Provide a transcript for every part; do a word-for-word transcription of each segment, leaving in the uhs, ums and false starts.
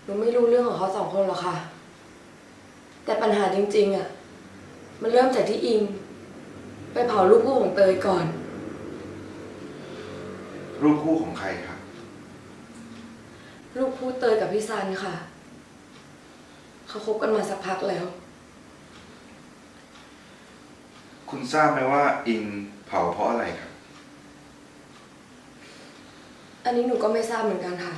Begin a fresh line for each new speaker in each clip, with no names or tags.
นูไม่รู้เรื่องของเขาสองคนหรอกค่ะแต่ปัญหาจริงๆอ่ะมันเริ่มจากที่อิงไปเผารูปคู่ของเตยก่อน
รูปคู่ของใครครับ
รูปคู่เตยกับพี่ซันค่ะเขาคบกันมาสักพักแล้ว
คุณทราบไหมว่าอิงเผาเพราะอะไรครับ
อันนี้หนูก็ไม่ทราบเหมือนกันค่ะ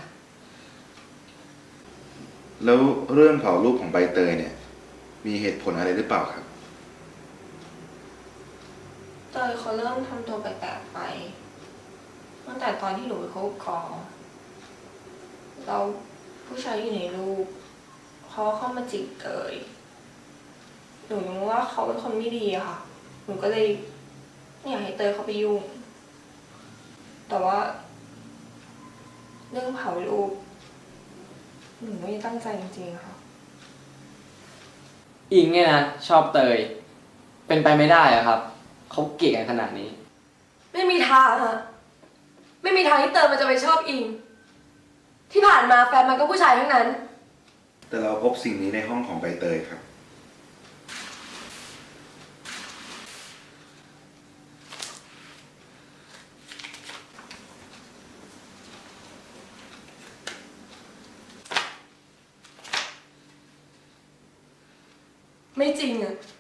แล้วเรื่องเผารูปของใบเตยเนี่ยมีเหตุผลอะไรหรือเปล่าครับ
เตยเขาเริ่มทำตัวแปลกๆไปตั้งแต่ตอนที่หนูไปคบกอเราผู้ชายอยู่ในรูปเขาเข้ามาจีบเตยหนูรู้ว่าเขาเป็นคนไม่ดีอะค่ะหนูก็เลยไม่อยากให้เตยเขาไปยุ่งแต่ว่าเรื่องเผารูปหนูไม่ได้ตั้งใจจริงๆค่ะ
อิงเนี่ยนะชอบเตยเป็นไปไม่ได้อะครับเขาเกลียดกันขนาดนี้
ไม่มีทางอะไม่มีทางที่เตยมันจะไปชอบอิงที่ผ่านมาแฟนมันก็ผู้ชายทั้งนั้น
แต่เราพบสิ่งนี้ในห้องของใบเตยครับ
ไม่จริงอะ